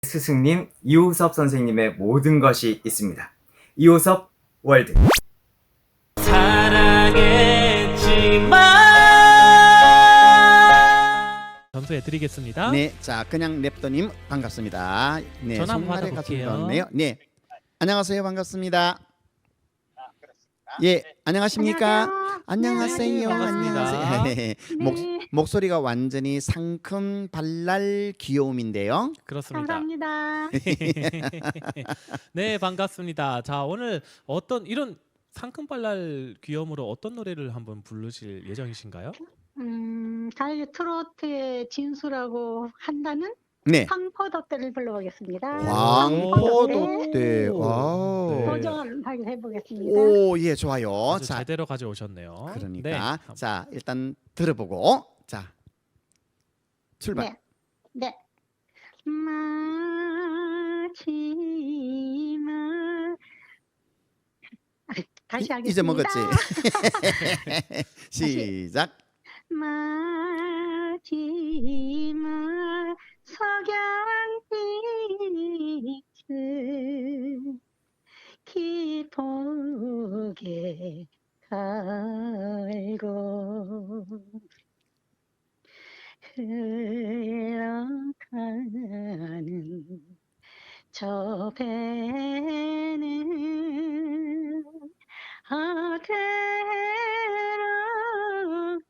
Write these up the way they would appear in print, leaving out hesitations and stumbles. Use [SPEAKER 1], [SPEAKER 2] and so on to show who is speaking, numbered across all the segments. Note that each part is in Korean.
[SPEAKER 1] 스승님 이호섭 선생님의 모든 것이 있습니다. 이호섭 월드.
[SPEAKER 2] 전수해드리겠습니다.
[SPEAKER 3] 네, 자 그냥 냅더님 반갑습니다. 네,
[SPEAKER 2] 전화 한번
[SPEAKER 3] 손발에
[SPEAKER 2] 받아볼게요.
[SPEAKER 3] 가슴이 왔네요. 네, 안녕하세요, 반갑습니다. 예, 안녕하십니까? 안녕하세요.
[SPEAKER 2] 네, 반갑습니다.
[SPEAKER 3] 안녕하세요. 네.
[SPEAKER 4] 네.
[SPEAKER 3] 목소리가 완전히 상큼 발랄 귀여움인데요.
[SPEAKER 2] 그렇습니다.
[SPEAKER 4] 감사합니다.
[SPEAKER 2] 네, 반갑습니다. 자, 오늘 어떤 이런 상큼발랄 귀염으로 어떤 노래를 한번 부르실 예정이신가요?
[SPEAKER 4] 자유 트로트의 진수라고 한다는
[SPEAKER 3] 네,
[SPEAKER 4] 황포도 때를 불러보겠습니다.
[SPEAKER 3] 황포도 때. 와우.
[SPEAKER 2] 네.
[SPEAKER 4] 도전하게 해보겠습니다.
[SPEAKER 3] 오, 예, 좋아요.
[SPEAKER 2] 아주
[SPEAKER 3] 자,
[SPEAKER 2] 제대로 가져오셨네요.
[SPEAKER 3] 그러니까
[SPEAKER 2] 네.
[SPEAKER 3] 자 일단 들어보고 자 출발.
[SPEAKER 4] 네. 마지막 다시 하겠습니다.
[SPEAKER 3] 잊어먹었지. 시작.
[SPEAKER 4] 마지막 석양빛을 기쁘게 갈고 흘러가는 저 배는 어디로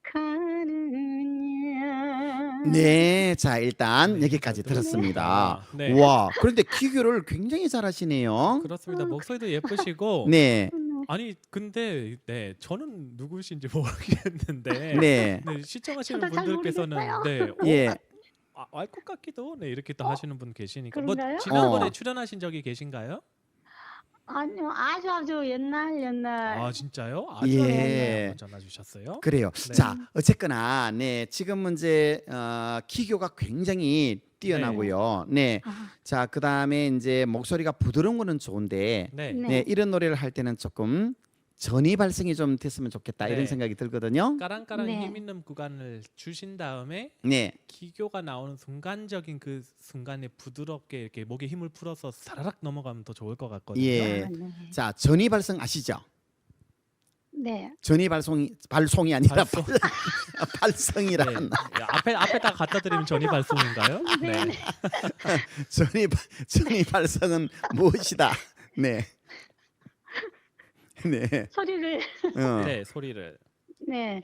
[SPEAKER 4] 가느냐.
[SPEAKER 3] 네, 자 일단
[SPEAKER 2] 네,
[SPEAKER 3] 여기까지
[SPEAKER 2] 잘
[SPEAKER 3] 들었습니다.
[SPEAKER 2] 들었습니다. 네.
[SPEAKER 3] 와, 그런데 기교를 굉장히 잘하시네요.
[SPEAKER 2] 그렇습니다. 목소리도 예쁘시고
[SPEAKER 3] 네,
[SPEAKER 2] 아니 근데 네 저는 누구신지 모르겠는데
[SPEAKER 3] 네,
[SPEAKER 2] 네, 시청하시는
[SPEAKER 4] 저도 잘
[SPEAKER 2] 분들께서는
[SPEAKER 4] 모르겠어요.
[SPEAKER 2] 네,
[SPEAKER 3] 예.
[SPEAKER 2] 알 것 같기도 네 이렇게 또 하시는 분 계시니까 뭐
[SPEAKER 4] 그런가요?
[SPEAKER 2] 지난번에
[SPEAKER 3] 어.
[SPEAKER 2] 출연하신 적이 계신가요?
[SPEAKER 4] 아니요, 아주 옛날.
[SPEAKER 2] 아 진짜요? 아주
[SPEAKER 3] 예.
[SPEAKER 2] 오랜만에 전화 주셨어요?
[SPEAKER 3] 그래요.
[SPEAKER 2] 네.
[SPEAKER 3] 자 어쨌거나 네 지금 이제 기교가 굉장히 뛰어나고요. 네,
[SPEAKER 4] 아,
[SPEAKER 3] 자 그다음에 이제 목소리가 부드러운 거는 좋은데
[SPEAKER 2] 네.
[SPEAKER 4] 네.
[SPEAKER 3] 네 이런 노래를 할 때는 조금 전이 발성이 좀 됐으면 좋겠다
[SPEAKER 2] 네.
[SPEAKER 3] 이런 생각이 들거든요.
[SPEAKER 2] 까랑까랑
[SPEAKER 4] 네.
[SPEAKER 2] 힘 있는 구간을 주신 다음에
[SPEAKER 3] 네,
[SPEAKER 2] 기교가 나오는 순간적인 그 순간에 부드럽게 이렇게 목에 힘을 풀어서 사라락 넘어가면 더 좋을 것 같거든요.
[SPEAKER 3] 예.
[SPEAKER 4] 아, 네.
[SPEAKER 3] 자 전이 발성 아시죠?
[SPEAKER 4] 네.
[SPEAKER 3] 전이 발송이 아니라
[SPEAKER 2] 발송.
[SPEAKER 3] 발성이란
[SPEAKER 2] 네. 앞에다 갖다 드리면 전이 발송인가요? 네.
[SPEAKER 3] 전이 발성은 무엇이다? 네, 네,
[SPEAKER 4] 소리를
[SPEAKER 2] 네, 소리를.
[SPEAKER 4] 네.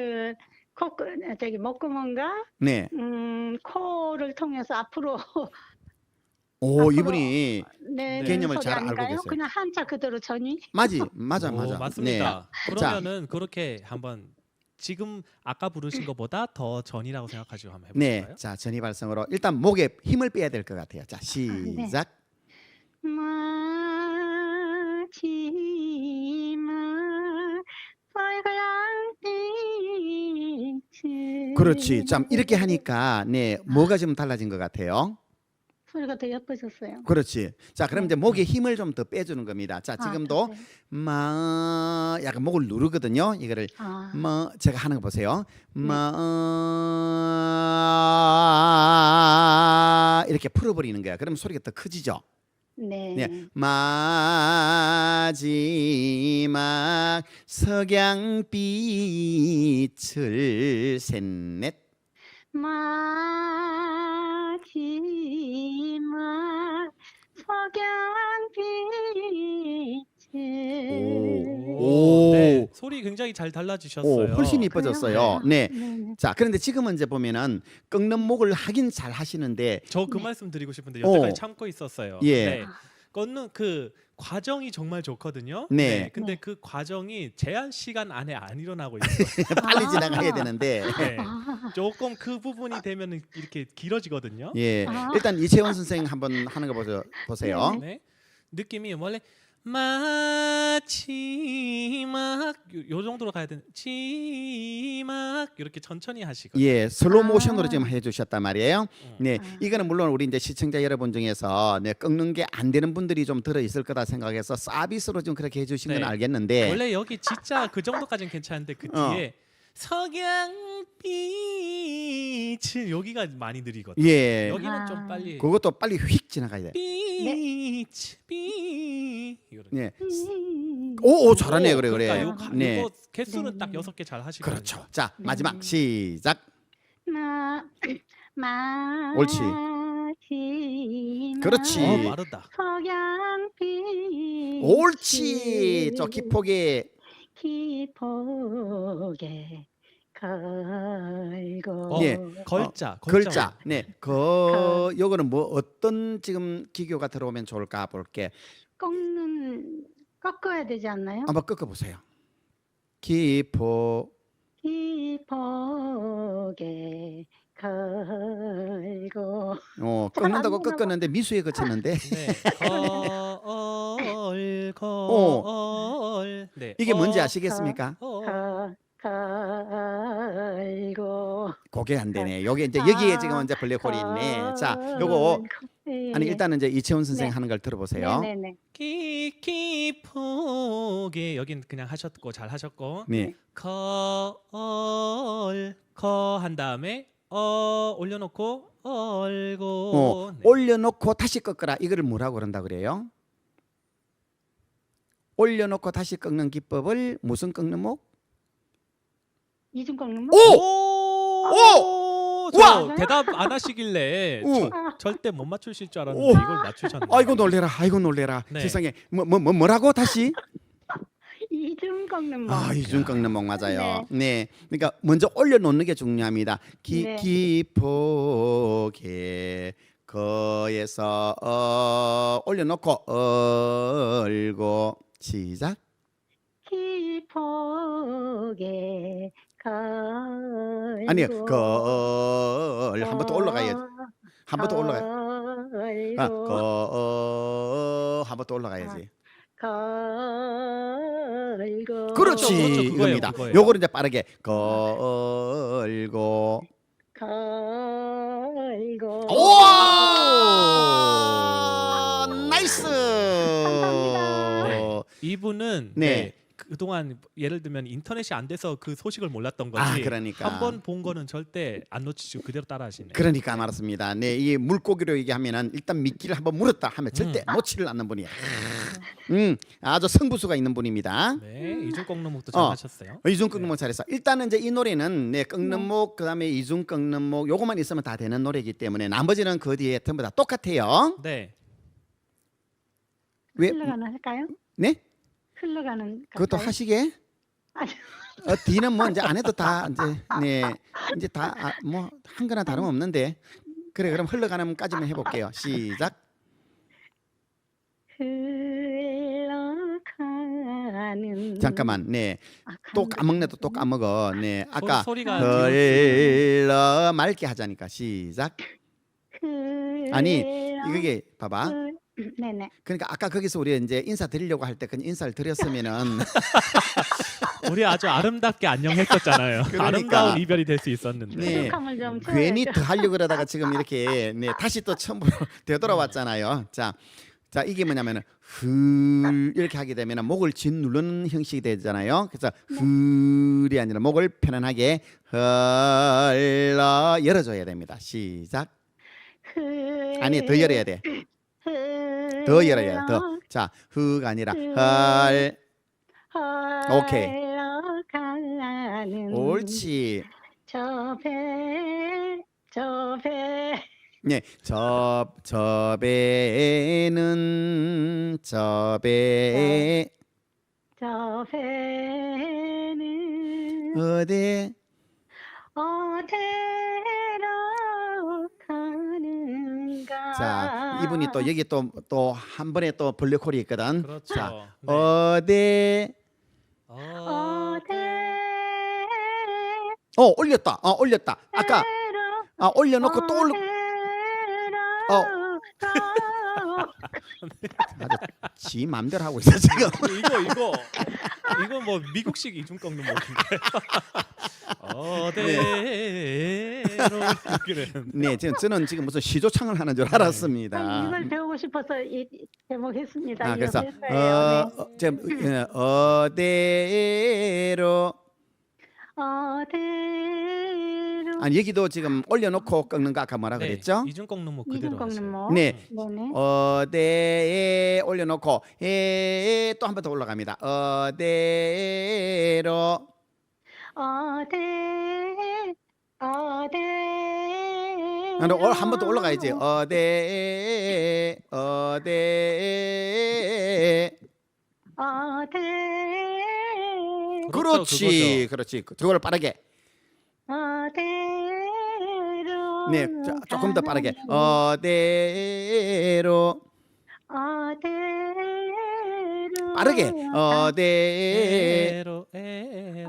[SPEAKER 4] 저기 목구멍과
[SPEAKER 3] 네.
[SPEAKER 4] 코를 통해서 앞으로
[SPEAKER 3] 오
[SPEAKER 4] 앞으로
[SPEAKER 3] 이분이
[SPEAKER 4] 네,
[SPEAKER 3] 개념을
[SPEAKER 4] 소리
[SPEAKER 3] 잘 알고
[SPEAKER 4] 아닌가요?
[SPEAKER 3] 계세요.
[SPEAKER 4] 그냥 한자 그대로 전이.
[SPEAKER 3] 맞아.
[SPEAKER 2] 오, 맞습니다.
[SPEAKER 3] 네.
[SPEAKER 2] 그러면은 그렇게 한번 지금 아까 부르신 것보다 더 전이라고 생각하시고 한번
[SPEAKER 3] 네,
[SPEAKER 2] 해볼까요?
[SPEAKER 3] 자 전이 발성으로 일단 목에 힘을 빼야 될 것 같아요. 자 시작.
[SPEAKER 4] 마지막 빨간빛을.
[SPEAKER 3] 그렇지. 참 이렇게 하니까 네 뭐가 좀 달라진 것 같아요.
[SPEAKER 4] 소리가 더 예뻐졌어요.
[SPEAKER 3] 그렇지. 자 그럼 이제 목에 힘을 좀 더 빼주는 겁니다. 자 지금도
[SPEAKER 4] 네.
[SPEAKER 3] 약간 목을 누르거든요. 이거를 제가 하는 거 보세요. 이렇게 풀어버리는 거야. 그럼 소리가 더 커지죠.
[SPEAKER 4] 네.
[SPEAKER 3] 네, 마지막 석양빛을 셋넷.
[SPEAKER 4] 마지막 석양빛을.
[SPEAKER 3] 오.
[SPEAKER 2] 네, 소리 굉장히 잘 달라지셨어요.
[SPEAKER 3] 훨씬 이뻐졌어요. 네.
[SPEAKER 4] 네네.
[SPEAKER 3] 자 그런데 지금은 이제 보면은 꺾는 목을 하긴 잘 하시는데
[SPEAKER 2] 저 그 말씀 드리고 싶은데 여태까지 참고 있었어요.
[SPEAKER 3] 예.
[SPEAKER 2] 네. 꺾는 그 과정이 정말 좋거든요.
[SPEAKER 3] 네.
[SPEAKER 2] 근데
[SPEAKER 4] 네.
[SPEAKER 2] 그 과정이 제한 시간 안에 안 일어나고 있어요.
[SPEAKER 3] 빨리 지나가야 되는데
[SPEAKER 2] 네.
[SPEAKER 4] 아,
[SPEAKER 2] 조금 그 부분이 되면 이렇게 길어지거든요.
[SPEAKER 3] 예
[SPEAKER 4] 아.
[SPEAKER 3] 일단 이채원 선생 한번 하는 거 보세요.
[SPEAKER 2] 네. 느낌이 원래 마지막 요 정도로 가야 되는 지막 이렇게 천천히 하시거든요.
[SPEAKER 3] 예 슬로우 모션으로 지금 해주셨단 말이에요. 네
[SPEAKER 4] 아.
[SPEAKER 3] 이거는 물론 우리 이제 시청자 여러분 중에서 네 꺾는 게 안 되는 분들이 좀 들어 있을 거다 생각해서 서비스로 좀 그렇게 해주신 건
[SPEAKER 2] 네.
[SPEAKER 3] 알겠는데
[SPEAKER 2] 원래 여기 진짜 그 정도까지는 괜찮은데 그
[SPEAKER 3] 어.
[SPEAKER 2] 뒤에 석양빛 여기가 많이 느리거든.
[SPEAKER 3] 예.
[SPEAKER 2] 여기는 좀
[SPEAKER 4] 아.
[SPEAKER 2] 빨리.
[SPEAKER 3] 그것도 빨리 휙 지나가야 돼.
[SPEAKER 2] 빛, 이거는.
[SPEAKER 3] 네. 오, 잘하네. 그래.
[SPEAKER 2] 그러니까
[SPEAKER 3] 네.
[SPEAKER 2] 이거 개수는
[SPEAKER 4] 네,
[SPEAKER 2] 딱
[SPEAKER 4] 네.
[SPEAKER 2] 6개 잘 하시거든요.
[SPEAKER 3] 그렇죠. 자, 마지막 시작. 옳지. 그렇지.
[SPEAKER 2] 빠르다.
[SPEAKER 4] 석양빛
[SPEAKER 3] 옳지. 저 기폭에
[SPEAKER 4] 기폭에 걸고
[SPEAKER 3] 예.
[SPEAKER 2] 걸자.
[SPEAKER 3] 글자. 네. 요거는 뭐 어떤 지금 기교가 들어오면 좋을까 볼게.
[SPEAKER 4] 꺾어야 되지 않나요?
[SPEAKER 3] 한번 꺾어 보세요. 기폭.
[SPEAKER 4] 기폭에 걸고
[SPEAKER 3] 꺾는다고
[SPEAKER 4] 안 되나 봐.
[SPEAKER 3] 꺾었는데 미수에 그쳤는데
[SPEAKER 2] 네. 걸. 네.
[SPEAKER 3] 이게 뭔지 아시겠습니까?
[SPEAKER 4] 걸고
[SPEAKER 3] 그게 안 되네. 요게 이제 여기에 지금 이제 블랙홀이 있네. 자, 요거 아니 일단은 이제 이채훈 선생
[SPEAKER 4] 네.
[SPEAKER 3] 하는 걸 들어보세요.
[SPEAKER 4] 네네네.
[SPEAKER 2] 기폭에 여긴 그냥 하셨고 잘 하셨고
[SPEAKER 3] 네.
[SPEAKER 2] 한 다음에 올려놓고 얼고 네.
[SPEAKER 3] 올려놓고 다시 꺾어라. 이거를 뭐라고 그런다 그래요? 올려놓고 다시 꺾는 기법을 무슨 꺾는 목?
[SPEAKER 4] 이중 꺾는
[SPEAKER 3] 오!
[SPEAKER 2] 오!
[SPEAKER 3] 우와!
[SPEAKER 2] 대답 안 하시길래
[SPEAKER 3] 오!
[SPEAKER 2] 절대 못 맞추실 줄 알았는데
[SPEAKER 3] 오!
[SPEAKER 2] 이걸 맞추셨네.
[SPEAKER 3] 아이고 놀래라. 아이고 놀래라.
[SPEAKER 2] 네.
[SPEAKER 3] 세상에 뭐라고 다시?
[SPEAKER 4] 이중 꺾는 목.
[SPEAKER 3] 이중 꺾는 목 맞아요. 네. 그러니까 먼저 올려놓는 게 중요합니다.
[SPEAKER 4] 네.
[SPEAKER 3] 기폭에 거에서 올려놓고 얼고 시작.
[SPEAKER 4] 기폭에 걸고
[SPEAKER 3] 아니요. 한 번 더 올라가야지. 한 번 더 올라가야. 한 번 더 올라가야지.
[SPEAKER 4] 걸고
[SPEAKER 3] 그렇지.
[SPEAKER 2] 그렇죠.
[SPEAKER 3] 이겁니다.
[SPEAKER 2] 그거예요.
[SPEAKER 3] 요거를 이제 빠르게 걸고.
[SPEAKER 4] 걸고
[SPEAKER 3] 우와! 나이스.
[SPEAKER 4] 감사합니다.
[SPEAKER 2] 이분은
[SPEAKER 3] 네.
[SPEAKER 2] 그동안 예를 들면 인터넷이 안 돼서 그 소식을 몰랐던 거지.
[SPEAKER 3] 그러니까.
[SPEAKER 2] 한 번 본 거는 절대 안 놓치시고 그대로 따라하시네.
[SPEAKER 3] 그러니까 말았습니다. 네, 이 물고기로 얘기하면은 일단 미끼를 한번 물었다 하면 절대 놓지를 않는 분이야. 아주 성부수가 있는 분입니다.
[SPEAKER 2] 네, 이중 꺾는 목도 잘 하셨어요.
[SPEAKER 3] 이중 꺾는 목 잘했어. 일단은 이제 이 노래는 네, 꺾는 목 그다음에 이중 꺾는 목 요거만 있으면 다 되는 노래이기 때문에 나머지는 그 뒤에 전부 다 똑같아요.
[SPEAKER 2] 네.
[SPEAKER 3] 왜?
[SPEAKER 4] 흘러가는 할까요?
[SPEAKER 3] 네?
[SPEAKER 4] 흘러가는
[SPEAKER 3] 그것도
[SPEAKER 4] 갈까요?
[SPEAKER 3] 하시게?
[SPEAKER 4] 아니,
[SPEAKER 3] 뒤는 뭐 이제 안 해도 다 이제 다 뭐 한 거나 다름없는데. 그래 그럼 흘러가는까지만 해볼게요. 시작.
[SPEAKER 4] 흘러가는
[SPEAKER 3] 잠깐만. 네. 또 까먹네 또 까먹어. 네. 아까
[SPEAKER 2] 소리가
[SPEAKER 3] 흘러 맑게 하자니까 시작. 아니 이게 봐봐.
[SPEAKER 4] 네네.
[SPEAKER 3] 그러니까 아까 거기서 우리 이제 인사 드리려고 할 때 그냥 인사를 드렸으면은
[SPEAKER 2] 우리 아주 아름답게 안녕했었잖아요.
[SPEAKER 3] 그러니까.
[SPEAKER 2] 아름다운 이별이 될 수 있었는데.
[SPEAKER 3] 네.
[SPEAKER 4] 부족함을 좀
[SPEAKER 3] 괜히
[SPEAKER 4] 채워야죠.
[SPEAKER 3] 더 하려고 그러다가 지금 이렇게 네 다시 또 처음으로 되돌아왔잖아요. 자 이게 뭐냐면은 이렇게 하게 되면은 목을 짓누르는 형식이 되잖아요. 그래서 이 아니라 목을 편안하게 흘러 열어줘야 됩니다. 시작. 아니 더 열어야 돼. 더 열어야 돼. 더. 자 흐가 아니라 오케이.
[SPEAKER 4] 흘러가는
[SPEAKER 3] 옳지.
[SPEAKER 4] 저 배
[SPEAKER 3] 네, 저 배는
[SPEAKER 4] 저 배는
[SPEAKER 3] 어디
[SPEAKER 4] 어디로 가는가.
[SPEAKER 3] 자 이분이 또 여기 또 한 번에 또 블랙홀이 있거든.
[SPEAKER 2] 그렇죠.
[SPEAKER 3] 자
[SPEAKER 2] 네.
[SPEAKER 3] 어디
[SPEAKER 4] 어디
[SPEAKER 3] 올렸다. 올렸다. 아까 올려놓고 또 올려. 아주 지 맘대로 하고 있어 지금.
[SPEAKER 2] 이거 뭐 미국식 이중 꺾는 목인데. 어디로 여기는.
[SPEAKER 3] 네, 저는 지금 무슨 시조창을 하는 줄 알았습니다.
[SPEAKER 4] 아니, 이걸 배우고 싶어서 이 제목했습니다.
[SPEAKER 3] 그래서
[SPEAKER 4] 이거 회사예요. 네.
[SPEAKER 3] 어디로
[SPEAKER 4] 어디로
[SPEAKER 3] 아니 여기도 지금 올려놓고 꺾는 거 아까 뭐라
[SPEAKER 2] 네,
[SPEAKER 3] 그랬죠?
[SPEAKER 2] 이중 꺾는 목
[SPEAKER 4] 이중
[SPEAKER 2] 그대로
[SPEAKER 4] 꺾는
[SPEAKER 2] 하세요.
[SPEAKER 4] 목.
[SPEAKER 3] 네.
[SPEAKER 4] 네네.
[SPEAKER 3] 어대에 올려놓고 또 한 번 더 올라갑니다. 어대로
[SPEAKER 4] 어디
[SPEAKER 3] 한 번 더 올라가야지. 어대
[SPEAKER 4] 어디
[SPEAKER 2] 그렇죠,
[SPEAKER 3] 그렇지 그렇지 그걸 빠르게
[SPEAKER 4] 어디로
[SPEAKER 3] 네 조금 더 빠르게 어대로
[SPEAKER 4] 어디로
[SPEAKER 3] 빠르게 어대
[SPEAKER 2] 에로 에로.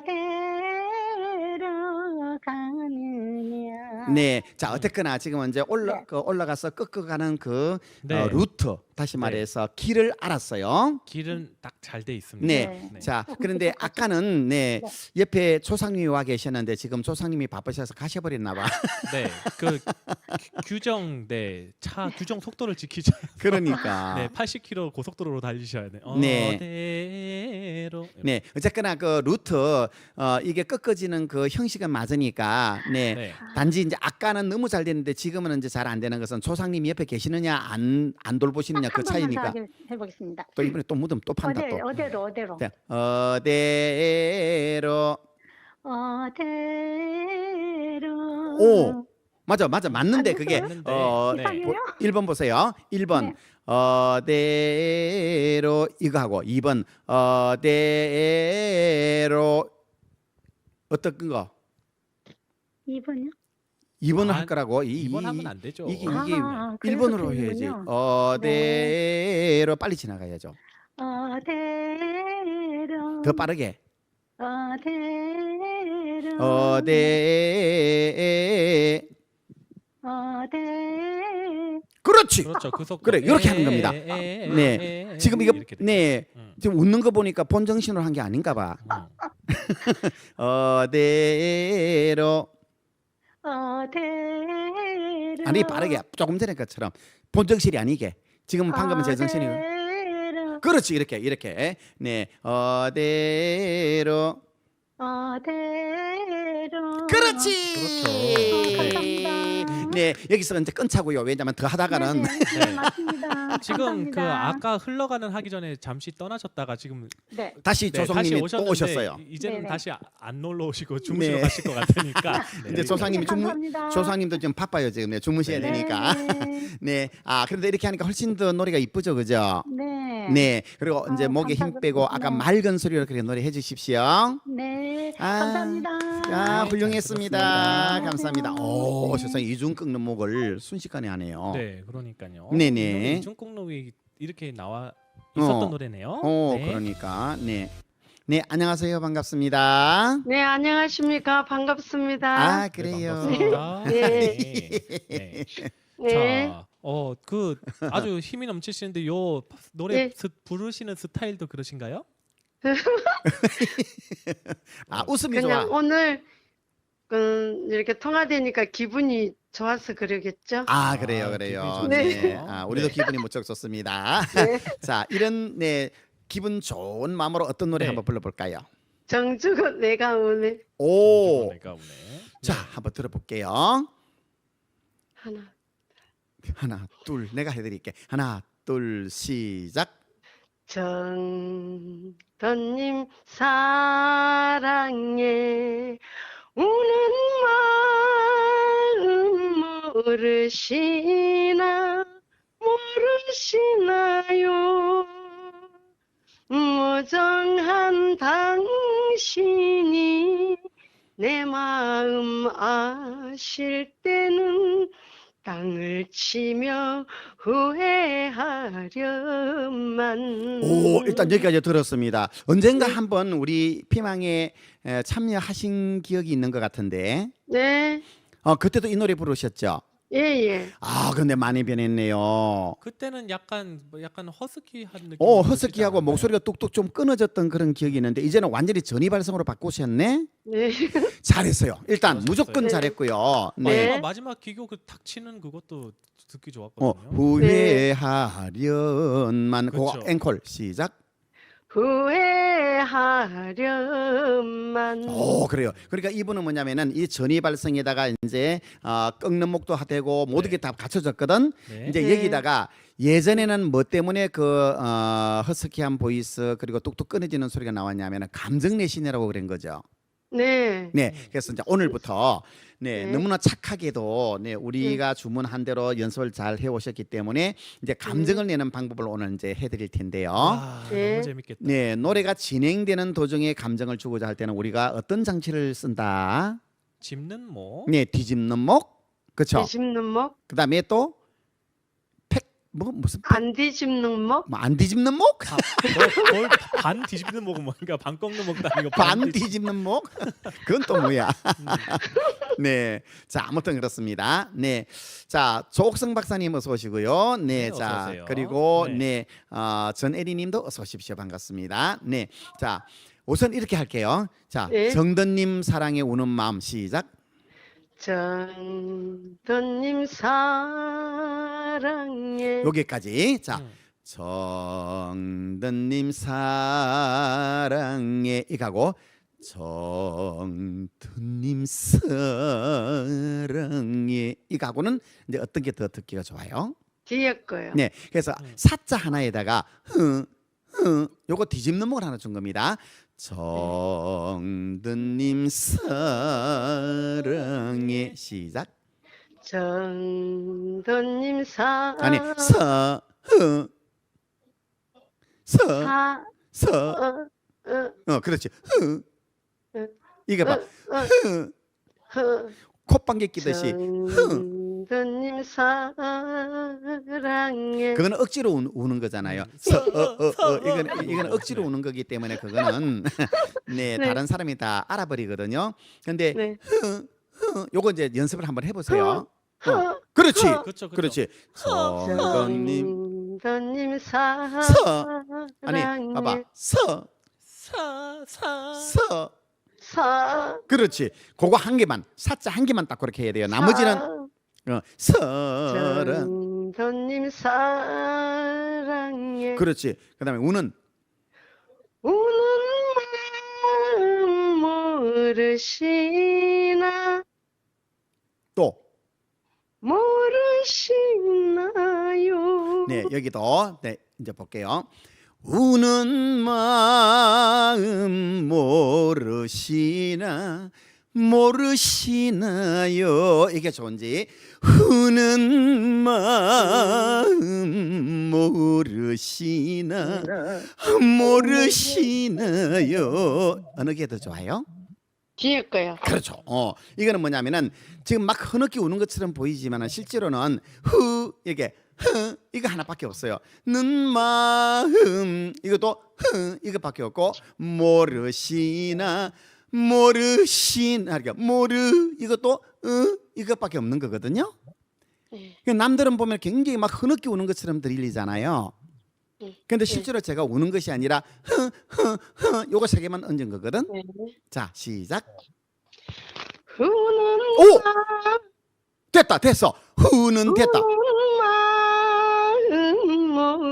[SPEAKER 4] 어디로 가느냐
[SPEAKER 3] 네, 자 어쨌거나 지금 이제 올라가서 꺾어가는 그
[SPEAKER 2] 네.
[SPEAKER 3] 루트 다시 말해서 길을 알았어요.
[SPEAKER 2] 길은 딱 잘 돼 있습니다.
[SPEAKER 3] 네. 자 그런데 아까는 네 옆에 조상님이 와 계셨는데 지금 조상님이 바쁘셔서 가셔버렸나 봐.
[SPEAKER 2] 네, 그 규정, 네, 차 규정 속도를 지키자.
[SPEAKER 3] 그러니까
[SPEAKER 2] 네, 80km 고속도로로 달리셔야 돼.
[SPEAKER 3] 네.
[SPEAKER 2] 어대로.
[SPEAKER 3] 네 어쨌거나 그 루트 이게 꺾어지는 그 형식은 맞으니까 네.
[SPEAKER 2] 네.
[SPEAKER 3] 단지 이제 아까는 너무 잘 됐는데 지금은 이제 잘 안 되는 것은 조상님이 옆에 계시느냐 안 돌보시느냐 그 차이니까
[SPEAKER 4] 해보겠습니다.
[SPEAKER 3] 또 이번에 또 무덤 또 판다 또.
[SPEAKER 4] 어디로
[SPEAKER 3] 자, 어대로
[SPEAKER 4] 어디로
[SPEAKER 3] 오 맞아 맞는데 그게
[SPEAKER 2] 맞는데. 네.
[SPEAKER 3] 1번 보세요. 1번
[SPEAKER 4] 네.
[SPEAKER 3] 어대로 이거 하고 2번 어대로 어떤 거
[SPEAKER 4] 2번이요?
[SPEAKER 3] 2번을
[SPEAKER 2] 아,
[SPEAKER 3] 할 거라고
[SPEAKER 2] 2번 하면 안 되죠.
[SPEAKER 3] 이게
[SPEAKER 4] 그래서
[SPEAKER 3] 1번으로
[SPEAKER 4] 그
[SPEAKER 3] 해야지.
[SPEAKER 4] 이군요.
[SPEAKER 3] 어대로 빨리 지나가야죠.
[SPEAKER 4] 어디로
[SPEAKER 3] 더 빠르게.
[SPEAKER 4] 어디로
[SPEAKER 3] 어대
[SPEAKER 4] 어디
[SPEAKER 3] 그렇지.
[SPEAKER 2] 그렇죠. 그 속도.
[SPEAKER 3] 그래, 이렇게 하는 겁니다. 네. 지금 이거
[SPEAKER 2] 이렇게 돼.
[SPEAKER 3] 네.
[SPEAKER 2] 음.
[SPEAKER 3] 지금 웃는 거 보니까 본정신으로 한 게 아닌가 봐. 어대로
[SPEAKER 4] 어디로
[SPEAKER 3] 아니 빠르게 조금 전에 것처럼 본정신이 아니게 지금 방금은 제정신이
[SPEAKER 4] 어디로
[SPEAKER 3] 그렇지 이렇게 네 어대로
[SPEAKER 4] 어디로
[SPEAKER 3] 그렇지
[SPEAKER 2] 그렇죠.
[SPEAKER 4] 감사합니다.
[SPEAKER 3] 네 여기서 이제 끊자고요 왜냐면 더 하다가는
[SPEAKER 4] 네, 맞습니다.
[SPEAKER 2] 지금 그
[SPEAKER 4] 감사합니다.
[SPEAKER 2] 아까 흘러가는 하기 전에 잠시 떠나셨다가 지금
[SPEAKER 4] 네.
[SPEAKER 3] 다시
[SPEAKER 2] 네,
[SPEAKER 3] 조상님이
[SPEAKER 2] 다시
[SPEAKER 3] 또
[SPEAKER 2] 오셨는데
[SPEAKER 3] 오셨어요.
[SPEAKER 2] 이제는
[SPEAKER 4] 네네.
[SPEAKER 2] 다시 안 놀러 오시고 주무시러
[SPEAKER 3] 네.
[SPEAKER 2] 가실 것 같으니까. 네.
[SPEAKER 3] 이제 조상님이
[SPEAKER 4] 감사합니다.
[SPEAKER 3] 조상님도 좀 바빠요 지금 네, 주무셔야
[SPEAKER 2] 네.
[SPEAKER 3] 되니까 네 그런데 이렇게 하니까 훨씬 더 노래가 이쁘죠 그죠?
[SPEAKER 4] 네.
[SPEAKER 3] 네 그리고 이제 목에 힘
[SPEAKER 4] 감사합니다.
[SPEAKER 3] 빼고 아까 맑은 소리로 그렇게 노래해 주십시오.
[SPEAKER 4] 네.
[SPEAKER 3] 아,
[SPEAKER 4] 감사합니다.
[SPEAKER 2] 네,
[SPEAKER 3] 훌륭했습니다.
[SPEAKER 2] 잘
[SPEAKER 3] 감사합니다.
[SPEAKER 4] 들었습니다.
[SPEAKER 3] 오 세상에 이중 꺾는 목을 순식간에 하네요.
[SPEAKER 2] 네, 그러니까요.
[SPEAKER 3] 네네.
[SPEAKER 2] 이중곡록이 이렇게 나와 있었던
[SPEAKER 3] 어.
[SPEAKER 2] 노래네요. 네.
[SPEAKER 3] 그러니까 네 안녕하세요 반갑습니다.
[SPEAKER 5] 네, 안녕하십니까. 반갑습니다.
[SPEAKER 3] 아
[SPEAKER 2] 네,
[SPEAKER 3] 그래요.
[SPEAKER 2] 반갑습니다.
[SPEAKER 5] 네.
[SPEAKER 2] 네.
[SPEAKER 5] 네.
[SPEAKER 2] 자, 그 아주 힘이 넘치시는데 요 노래
[SPEAKER 5] 네.
[SPEAKER 2] 부르시는 스타일도 그러신가요?
[SPEAKER 3] 웃음이
[SPEAKER 5] 그냥
[SPEAKER 3] 좋아.
[SPEAKER 5] 오늘 이렇게 통화되니까 기분이 좋아서 그러겠죠?
[SPEAKER 3] 그래요.
[SPEAKER 2] 기분이
[SPEAKER 5] 좋네요.
[SPEAKER 3] 네. 우리도
[SPEAKER 2] 네.
[SPEAKER 3] 기분이 무척 좋습니다.
[SPEAKER 5] 네.
[SPEAKER 3] 자 이런 네 기분 좋은 마음으로 어떤 노래
[SPEAKER 2] 네.
[SPEAKER 3] 한번 불러볼까요?
[SPEAKER 5] 정주고 내가 오늘
[SPEAKER 3] 오.
[SPEAKER 2] 내가 오네.
[SPEAKER 3] 자 한번 들어볼게요.
[SPEAKER 5] 하나
[SPEAKER 3] 하나 둘 내가 해드릴게. 하나 둘 시작.
[SPEAKER 5] 정던님 사랑해 우는 마음 모르시나요 무정한 당신이 내 마음 아실 때는 땅을 치며 후회하려만.
[SPEAKER 3] 오 일단 여기까지 들었습니다. 언젠가 한번 우리 피망에 참여하신 기억이 있는 것 같은데
[SPEAKER 5] 네,
[SPEAKER 3] 그때도 이 노래 부르셨죠?
[SPEAKER 5] 예.
[SPEAKER 3] 근데 많이 변했네요.
[SPEAKER 2] 그때는 약간 허스키한 느낌.
[SPEAKER 3] 허스키하고 목소리가 뚝뚝 좀 끊어졌던 그런 기억이 있는데 이제는 완전히 전이발성으로 바꾸셨네.
[SPEAKER 5] 네.
[SPEAKER 3] 잘했어요. 일단
[SPEAKER 2] 그러셨어요.
[SPEAKER 3] 무조건
[SPEAKER 5] 네.
[SPEAKER 3] 잘했고요.
[SPEAKER 5] 네.
[SPEAKER 2] 마지막 기교 그 탁 치는 그것도 듣기 좋았거든요.
[SPEAKER 3] 후회하련만 그거
[SPEAKER 2] 그렇죠.
[SPEAKER 3] 앵콜 시작.
[SPEAKER 5] 후회하련만.
[SPEAKER 3] 오, 그래요. 그러니까 이분은 뭐냐면은 이 전이 발성에다가 이제 꺾는 목도 되고 모든 게 다 갖춰졌거든.
[SPEAKER 2] 네.
[SPEAKER 3] 이제
[SPEAKER 5] 네.
[SPEAKER 3] 여기다가 예전에는 뭐 때문에 그 허스키한 보이스 그리고 뚝뚝 끊어지는 소리가 나왔냐면은 감정 내신이라고 그런 거죠.
[SPEAKER 5] 네.
[SPEAKER 3] 네, 그래서 이제 오늘부터 네,
[SPEAKER 5] 네.
[SPEAKER 3] 너무나 착하게도 네, 우리가 주문한 대로 연습을 잘 해오셨기 때문에 이제 감정을 내는 방법을 오늘 이제 해드릴 텐데요.
[SPEAKER 2] 아,
[SPEAKER 5] 네.
[SPEAKER 2] 너무 재밌겠다.
[SPEAKER 3] 네, 노래가 진행되는 도중에 감정을 주고자 할 때는 우리가 어떤 장치를 쓴다?
[SPEAKER 2] 짚는 뭐?
[SPEAKER 3] 네, 뒤집는 목, 그렇죠.
[SPEAKER 5] 뒤집는 목,
[SPEAKER 3] 그다음에 또 무슨
[SPEAKER 5] 안 뒤집는 목,
[SPEAKER 3] 안 뒤집는 목?
[SPEAKER 2] 반 뒤집는 목은 뭔가 반 꺾는 목도 아니고
[SPEAKER 3] 반 뒤집는 목? 그건 또 뭐야?
[SPEAKER 2] 음.
[SPEAKER 3] 네, 자 아무튼 그렇습니다. 네, 자 조옥성 박사님 어서 오시고요.
[SPEAKER 2] 네,
[SPEAKER 3] 네,
[SPEAKER 2] 어서
[SPEAKER 3] 자
[SPEAKER 2] 오세요.
[SPEAKER 3] 그리고
[SPEAKER 2] 네.
[SPEAKER 3] 전애리님도 어서 오십시오. 반갑습니다. 네, 자 우선 이렇게 할게요. 자
[SPEAKER 5] 네.
[SPEAKER 3] 정든님 사랑에 우는 마음 시작.
[SPEAKER 5] 정든님 사랑에.
[SPEAKER 3] 여기까지. 자
[SPEAKER 2] 음.
[SPEAKER 3] 정든님 사랑에 이가고 정든님 사랑에 이가고는 이제 어떤 게 더 듣기가 좋아요?
[SPEAKER 5] 뒤에 거요.
[SPEAKER 3] 네, 그래서 사자 하나에다가 요거 뒤집는 목을 하나 준 겁니다. 정든님 사랑에 시작.
[SPEAKER 5] 정든님
[SPEAKER 3] 아니
[SPEAKER 5] 사,
[SPEAKER 3] 그렇지. 이거 봐. 콧방귀 끼듯이
[SPEAKER 5] 정든님 사랑에.
[SPEAKER 3] 그거는 억지로 우는 거잖아요. 이거는 억지로 우는 거기 때문에 그거는 네,
[SPEAKER 5] 네.
[SPEAKER 3] 다른 사람이 다 알아버리거든요. 근데
[SPEAKER 5] 네.
[SPEAKER 3] 요거 이제 연습을 한번 해보세요. 그렇지,
[SPEAKER 2] 그렇죠,
[SPEAKER 3] 그렇지. 정든님
[SPEAKER 5] 정든님 사랑에.
[SPEAKER 3] 아니 봐봐
[SPEAKER 5] 사,
[SPEAKER 3] 그렇지. 그거 한 개만 사자 한 개만 딱 그렇게 해야 돼요. 나머지는 사랑
[SPEAKER 5] 정든님 사랑에.
[SPEAKER 3] 그렇지. 그다음에 우는
[SPEAKER 5] 우는 마음 모르시나
[SPEAKER 3] 또
[SPEAKER 5] 모르시나요?
[SPEAKER 3] 네, 여기도 네, 이제 볼게요. 우는 마음 모르시나요? 이게 좋은지. 우는 마음 모르시나요? 어느 게 더 좋아요?
[SPEAKER 5] 뒤에 거요.
[SPEAKER 3] 그렇죠. 이거는 뭐냐면은 지금 막 흐느끼 우는 것처럼 보이지만 실제로는 이게 이거 하나밖에 없어요. 는 마음 이것도 이것밖에 없고 모르시나 그러니까 이것도 이것밖에 없는 거거든요.
[SPEAKER 5] 네.
[SPEAKER 3] 남들은 보면 굉장히 막 흐느끼 우는 것처럼 들리잖아요.
[SPEAKER 5] 네.
[SPEAKER 3] 근데 실제로 제가 우는 것이 아니라 요거 세 개만 얹은 거거든.
[SPEAKER 5] 네.
[SPEAKER 3] 자 시작.
[SPEAKER 5] 우는
[SPEAKER 3] 오!
[SPEAKER 5] 마음
[SPEAKER 3] 됐어. 후는 됐다.
[SPEAKER 5] 마음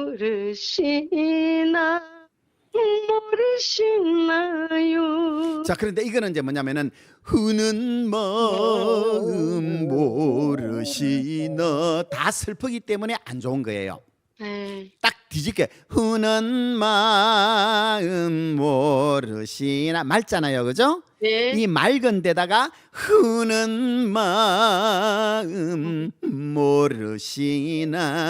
[SPEAKER 5] 모르시나요?
[SPEAKER 3] 자 그런데 이거는 이제 뭐냐면은 후는 마음 모르시나 다 슬프기 때문에 안 좋은 거예요.
[SPEAKER 5] 네.
[SPEAKER 3] 딱 뒤집게 후는 마음 모르시나 맑잖아요, 그죠?
[SPEAKER 5] 네.
[SPEAKER 3] 이 맑은 데다가 후는 마음 모르시나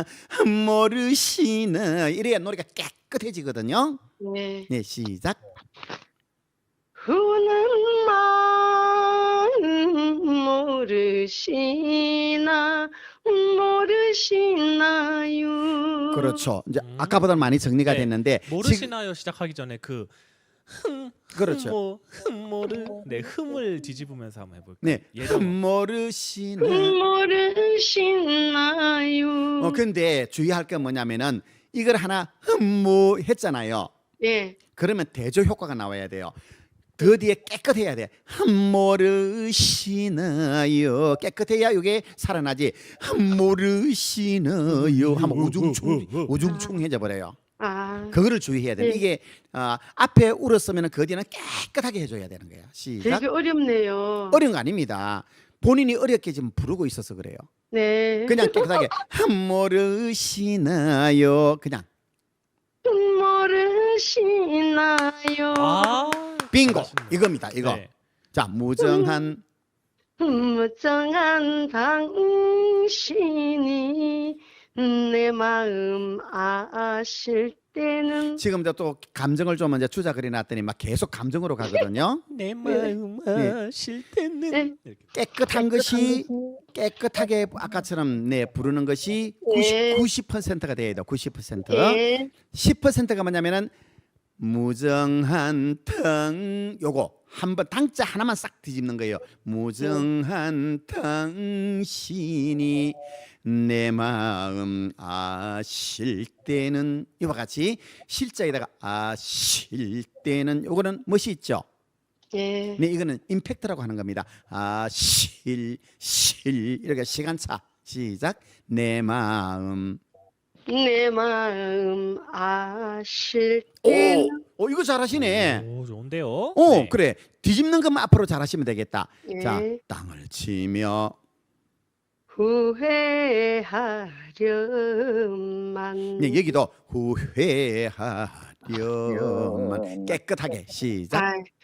[SPEAKER 3] 이래야 노래가 깨끗해지거든요.
[SPEAKER 5] 네.
[SPEAKER 3] 네 시작.
[SPEAKER 5] 후는 마음 모르시나요?
[SPEAKER 3] 그렇죠. 이제 아까보다 많이 정리가
[SPEAKER 2] 네.
[SPEAKER 3] 됐는데
[SPEAKER 2] 모르시나요 시작하기 전에 그
[SPEAKER 3] 그렇죠.
[SPEAKER 2] 흠모를 네 흠을 뒤집으면서 한번 해볼게요.
[SPEAKER 3] 네
[SPEAKER 2] 예전
[SPEAKER 3] 모르시나
[SPEAKER 5] 모르시나요?
[SPEAKER 3] 근데 주의할 건 뭐냐면은 이걸 하나 흠모 했잖아요.
[SPEAKER 5] 네.
[SPEAKER 3] 그러면 대조 효과가 나와야 돼요. 더 뒤에 깨끗해야 돼. 모르시나요? 깨끗해야 이게 살아나지. 모르시나요? 하면 우중충해져 버려요.
[SPEAKER 5] 아,
[SPEAKER 3] 그거를 주의해야 돼.
[SPEAKER 5] 네.
[SPEAKER 3] 이게 앞에 울었으면 그 뒤는 깨끗하게 해줘야 되는 거예요. 시작.
[SPEAKER 5] 되게 어렵네요.
[SPEAKER 3] 어려운 거 아닙니다. 본인이 어렵게 지금 부르고 있어서 그래요.
[SPEAKER 5] 네.
[SPEAKER 3] 그냥 깨끗하게 모르시나요? 그냥
[SPEAKER 5] 모르시나요?
[SPEAKER 2] 아,
[SPEAKER 3] 빙고
[SPEAKER 2] 잘하시네요.
[SPEAKER 3] 이겁니다. 이거.
[SPEAKER 2] 네.
[SPEAKER 3] 자 무정한
[SPEAKER 5] 무정한 당신이 내 마음 아실 때는
[SPEAKER 3] 지금 이제 또 감정을 좀 이제 주자 그리 놨더니 막 계속 감정으로 가거든요.
[SPEAKER 2] 내 마음 아실 때는
[SPEAKER 5] 네.
[SPEAKER 2] 이렇게.
[SPEAKER 3] 깨끗한 것이 깨끗하게 아까처럼 부르는 것이
[SPEAKER 5] 네.
[SPEAKER 3] 90%가 돼야 돼요. 90%.
[SPEAKER 5] 네.
[SPEAKER 3] 10%가 뭐냐면은 무정한 텅 요거 한번 당자 하나만 싹 뒤집는 거예요. 무정한 당신이 내 마음 아실 때는 이와 같이 실자에다가 아실 때는 요거는 멋이 있죠.
[SPEAKER 5] 네.
[SPEAKER 3] 네, 이거는 임팩트라고 하는 겁니다. 실 이렇게 시간차 시작. 내 마음.
[SPEAKER 5] 내 마음 아실 때는
[SPEAKER 3] 이거 잘하시네.
[SPEAKER 2] 오, 좋은데요.
[SPEAKER 3] 오,
[SPEAKER 2] 네.
[SPEAKER 3] 그래. 뒤집는 것만 앞으로 잘하시면 되겠다.
[SPEAKER 5] 네.
[SPEAKER 3] 자, 땅을 치며
[SPEAKER 5] 후회하려만
[SPEAKER 3] 여기도 후회하려만 깨끗하게 시작.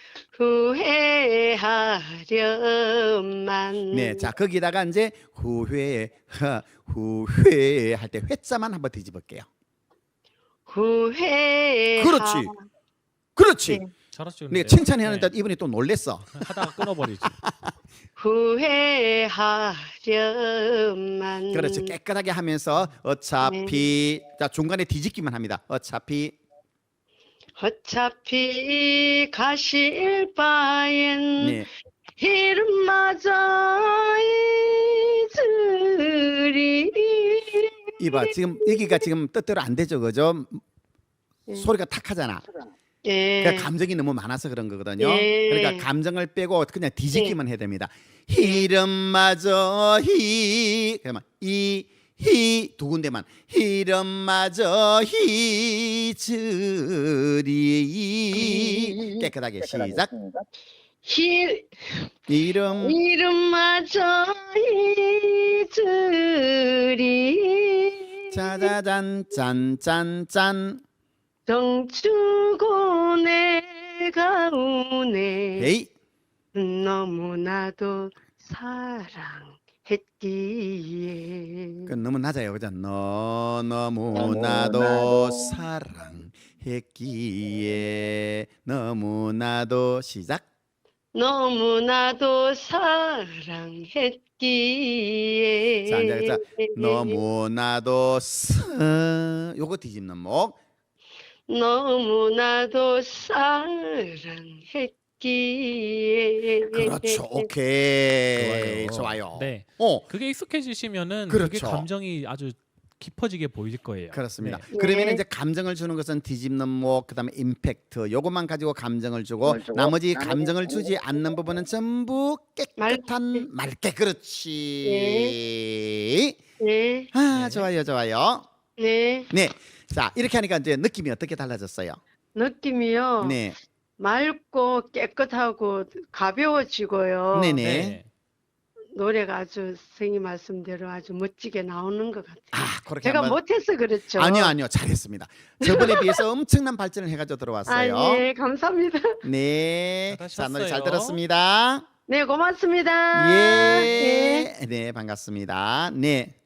[SPEAKER 5] 후회하려만
[SPEAKER 3] 네, 자 거기다가 이제 후회할 때 회자만 한번 뒤집을게요. 그렇지. 그렇지.
[SPEAKER 5] 네.
[SPEAKER 2] 잘하시는데요.
[SPEAKER 3] 네, 칭찬하는데 이분이 또 놀랬어.
[SPEAKER 2] 하다가 끊어버리지.
[SPEAKER 5] 후회하려만
[SPEAKER 3] 그렇지. 깨끗하게 하면서 어차피 자 중간에 뒤집기만 합니다. 어차피
[SPEAKER 5] 가실 바엔
[SPEAKER 3] 네.
[SPEAKER 5] 이름마저 잊으리
[SPEAKER 3] 이봐 지금 여기가 지금 뜻대로 안 되죠, 그죠?
[SPEAKER 5] 네.
[SPEAKER 3] 소리가 탁하잖아.
[SPEAKER 5] 예.
[SPEAKER 3] 그러니까 감정이 너무 많아서 그런 거거든요.
[SPEAKER 5] 예.
[SPEAKER 3] 그러니까 감정을 빼고 그냥 뒤집기만 해야 됩니다. 이름마저 그러면 이 두 군데만 이름마저 잊으리 깨끗하게 시작.
[SPEAKER 5] 이름마저 잊으리
[SPEAKER 3] 짜자잔 짠짠짠
[SPEAKER 5] 정주고 내가 우네
[SPEAKER 3] 에이
[SPEAKER 5] 너무나도 사랑했기에
[SPEAKER 3] 그 너무 낮아요, 그죠? 너무나도 사랑했기에 너무나도 시작.
[SPEAKER 5] 너무나도 사랑했기에
[SPEAKER 3] 자, 이제 그래서 너무나도 요거 뒤집는 목.
[SPEAKER 5] 너무나도 사랑했기에
[SPEAKER 3] 그렇죠. 오케이.
[SPEAKER 2] 좋아요.
[SPEAKER 3] 좋아요.
[SPEAKER 2] 네.
[SPEAKER 3] 어,
[SPEAKER 2] 그게 익숙해지시면은 그게
[SPEAKER 3] 그렇죠.
[SPEAKER 2] 감정이 아주 깊어지게 보일 거예요.
[SPEAKER 3] 그렇습니다.
[SPEAKER 2] 네.
[SPEAKER 3] 그러면
[SPEAKER 5] 네.
[SPEAKER 3] 이제 감정을 주는 것은 뒤집는 목, 그다음에 임팩트. 요것만 가지고 감정을 주고 나머지 감정을 주지 않는 부분은 전부 깨끗한 맑게. 그렇지.
[SPEAKER 5] 네,
[SPEAKER 3] 아, 좋아요. 좋아요.
[SPEAKER 5] 네.
[SPEAKER 3] 네. 자, 이렇게 하니까 이제 느낌이 어떻게 달라졌어요?
[SPEAKER 5] 느낌이요.
[SPEAKER 3] 네.
[SPEAKER 5] 맑고 깨끗하고 가벼워지고요.
[SPEAKER 3] 네네.
[SPEAKER 2] 네.
[SPEAKER 5] 노래가 아주 선생님 말씀대로 아주 멋지게 나오는 것 같아요.
[SPEAKER 3] 아, 그렇게
[SPEAKER 5] 제가
[SPEAKER 3] 한번
[SPEAKER 5] 못해서 그렇죠.
[SPEAKER 3] 아니요. 잘했습니다. 저번에 비해서 엄청난 발전을 해가지고 들어왔어요.
[SPEAKER 5] 아, 예, 감사합니다.
[SPEAKER 3] 네. 자, 노래 잘
[SPEAKER 2] 잘하셨어요.
[SPEAKER 3] 들었습니다.
[SPEAKER 5] 네, 고맙습니다.
[SPEAKER 3] 예. 네, 반갑습니다. 네.